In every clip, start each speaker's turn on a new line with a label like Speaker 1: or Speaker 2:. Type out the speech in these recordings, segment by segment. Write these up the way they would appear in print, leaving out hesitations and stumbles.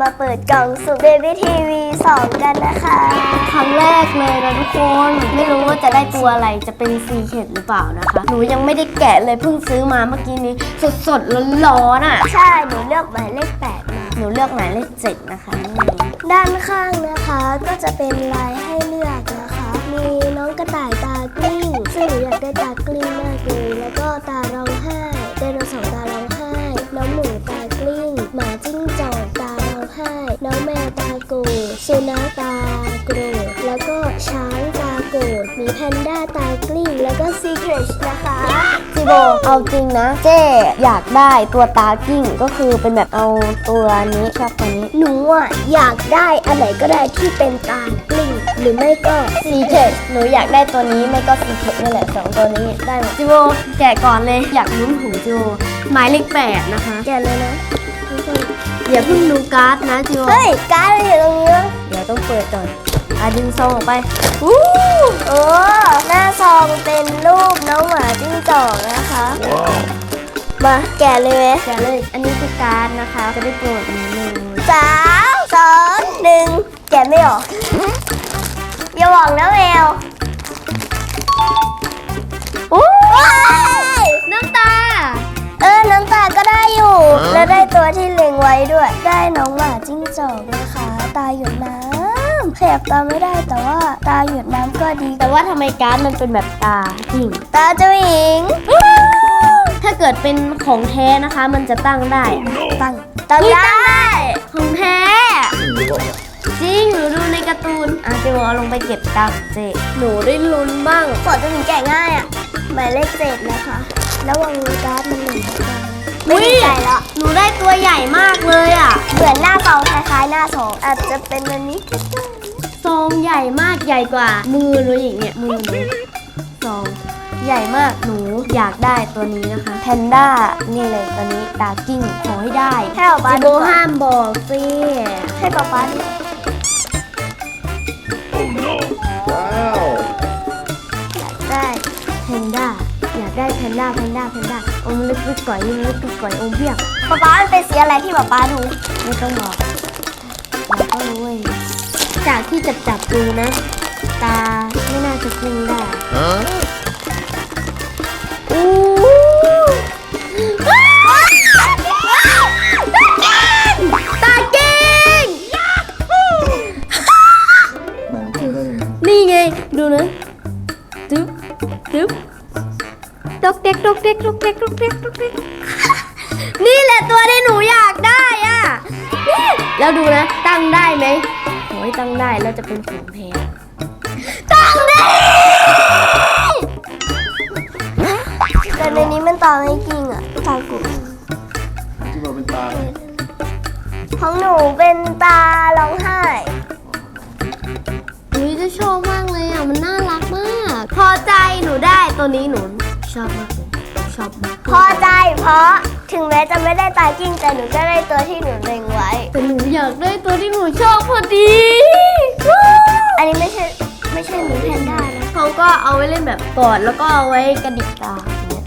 Speaker 1: มาเปิดกล่องสุ่ม Baby TV 2 กันนะคะ
Speaker 2: ครั้งแรกเลยนะทุกคนไม่รู้ว่าจะได้ตัวอะไรจะเป็นซีเคทหรือเปล่านะคะหนูยังไม่ได้แกะเลยเพิ่งซื้อมาเมื่อกี้นี้สดๆร้อนๆอ่ะ
Speaker 1: ใช่หนูเลือกหมายเลข8มา
Speaker 2: หนูเลือกหมายเลข7นะคะ
Speaker 1: ด้านข้างนะคะก็จะเป็นลายให้เลือกนะคะมีน้องกระต่ายตากลิ้งซึ่งหนูอยากได้ตากลิ้งมากเลยแล้วก็ตาร้องไห้ไดโนเสาร์ตาร้องไห้น้องหมูตากลิ้งหมาจิ้งจอกตาร้องไห้น้องแมวตาโกรธสุนัขตาโกรธแล้วก็ช้างตาโกรธมีแพนด้าตากลิ้งแล้วก็ซีเครชนะคะ
Speaker 2: จิโบเอาจริงนะเจ๊อยากได้ตัวตากิ้งก็คือเป็นแบบเอาตัวนี้ชอบตัวนี้
Speaker 1: หนูอยากได้อันไหนก็ได้ที่เป็นตากลิ้งหรือไม่ก็
Speaker 2: ซีเคทหนูอยากได้ตัวนี้ไม่ก็ซีเคทนี่แหละ2ตัวนี้ได้หมดจิโบแกะก่อนเลยอยากลุ้นหูจิโบหมายเลข8นะคะ
Speaker 1: แกะเลยนะ
Speaker 2: อย่าเพิ่งดูการ์ดนะจิโบ
Speaker 1: เฮ้ยการ์ดอยู่ตรงนี้
Speaker 2: เดี๋ยวต้องเปิดก่อนดึงซองออกไป
Speaker 1: โอ้หน้าซองเป็นรูปน้องหมาจิ้งจอกนะคะมาแกะเลยไหม
Speaker 2: แกะเลยอันนี้คือการ์ดนะคะจะได้โปรดนิดนึง
Speaker 1: 3 2 1แกะไม่ออกอย่าหวังนะแมว
Speaker 2: น้ำตา
Speaker 1: น้ำตาก็ได้อยู่และได้ตัวที่เล็งไว้ด้วยได้น้องหมาจิ้งจอกนะคะตาหยดน้ำขยับตาไม่ได้แต่ว่าตาหยดน้ำก็ดี
Speaker 2: แต่ว่าทำไมการ์ดมันเป็นแบบตาจริง
Speaker 1: ตาเจ้าหญิง
Speaker 2: ถ้าเกิดเป็นของแท้นะคะมันจะตั้งได้
Speaker 1: ตั้งได้
Speaker 2: ของแท้จริงหนูดูในการ์ตูนเจวเอาลงไปเก็บตังค์เจหนูได้ลุ้นบ้าง
Speaker 1: ขอจะถึงแกะง่ายหมายเลข7นะคะแล้ววางการ์ดมันหนึ่งไม่ดีใจแล้ว
Speaker 2: หนูได้ตัวใหญ่มากเลย
Speaker 1: เหมือนหน้าซองคล้ายๆหน้าซองอาจจะเป็นอันนี้
Speaker 2: ซองใหญ่มากใหญ่กว่ามือหนูอย่างเงี้ยมือหนูซองใหญ่มากหนูอยากได้ตัวนี้นะคะแพนด้านี่เลยตัวนี้ตากิ้งขอให้ได้
Speaker 1: ให้ป๊าป๊า
Speaker 2: ดูห้ามบอกสิ
Speaker 1: ให้ป๊าป๊าดูอยากได้
Speaker 2: แพนด้าอยากได้แพนด้าอมลึกๆก่อยอมเพียง
Speaker 1: ป๊าป๊ามันเป็นสีอะไรที่ป๊าป๊าดู
Speaker 2: ไม่ต้องบอกเราก็รู้เองจากที่จับดูนะตาไม่น่าจะกิ้งได้ตาเก่งนี่ไงดูนะตึ๊บตกเด็กนี่แหละตัวที่หนูอยากได้แล้วดูนะตั้งได้ไหมโอ้ยตั้งได้แล้วจะเป็นของแพง
Speaker 1: ตั้งได้แต่ในนี้มันตาไม่จริงตากู
Speaker 3: ที่เราเป็นตา
Speaker 1: ของหนูเป็นตาร้องไห้
Speaker 2: จะชอบมากเลยมันน่ารักมากพอใจหนูได้ตัวนี้หนูชอบมากเลยชอบมาก
Speaker 1: พอใจเพราะถึงแม้จะไม่ได้ตาจริงแต่หนูก็ได้ตัวที่หนูเล็งไว้
Speaker 2: แต่หนูอยากได้ตัวที่หนูชอบพอดี
Speaker 1: อันนี้ไม่ใช่หนูแพนด้านะ
Speaker 2: เขาก็เอาไว้เล่นแบบกอดแล้วก็เอาไว้กระดิกตา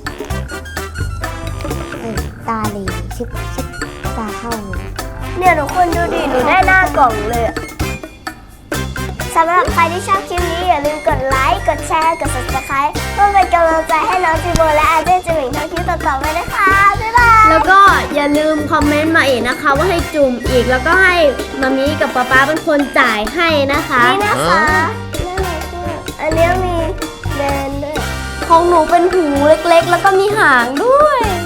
Speaker 2: ตาเลยชิบตาเข้า
Speaker 1: เนี่ยทุกคนดูดิหนูได้หน้ากล่องเลยสำหรับใครที่ชอบคลิปนี้อย่าลืมกดไลค์กดแชร์กด Subscribe เพื่อเป็นกำลังใจให้น้องจิโบและอาเจนจิหมิงทำคลิปต่อๆไปนะคะบ๊ายบาย
Speaker 2: แล้วก็อย่าลืมคอมเมนต์มาอีกนะคะว่าให้จุ่มอีกแล้วก็ให้มามีกับป๊าเป็นคนจ่ายให้นะคะ
Speaker 1: นี่นะคะอันนี้มีแบรนด์ด้วย
Speaker 2: ของหนูเป็นหูเล็กๆแล้วก็มีหางด้วย